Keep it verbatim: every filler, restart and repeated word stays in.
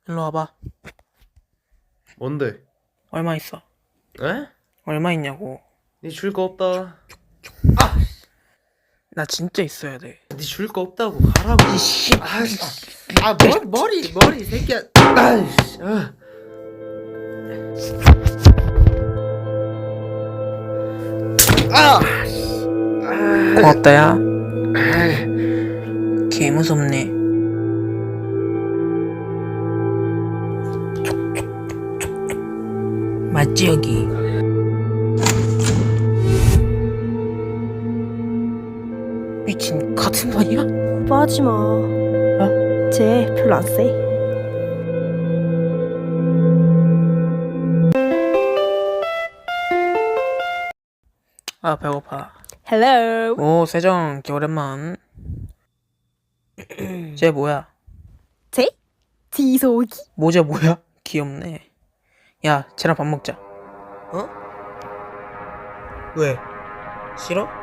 일로 와봐. 뭔데? 얼마 있어? 에? 얼마 있냐고. 니 줄 거 없다. 나 진짜 있어야 돼. 니 줄 거 없다고 가라고. 이씨. 아이씨. 아, 머, 머리 머리 새끼야. 아이씨. 아. 아. 고맙다, 야. 아. 개 무섭네. 맞지, 여기? 미친, 같은 반이야? 오버하지 마. 어? 쟤 별로 안 세. 아, 배고파. 헬로. 오, 세정, 개 오랜만. 쟤 뭐야? 쟤? 지소기? 모자 뭐야? 귀엽네. 야, 쟤랑 밥 먹자. 어? 왜? 싫어?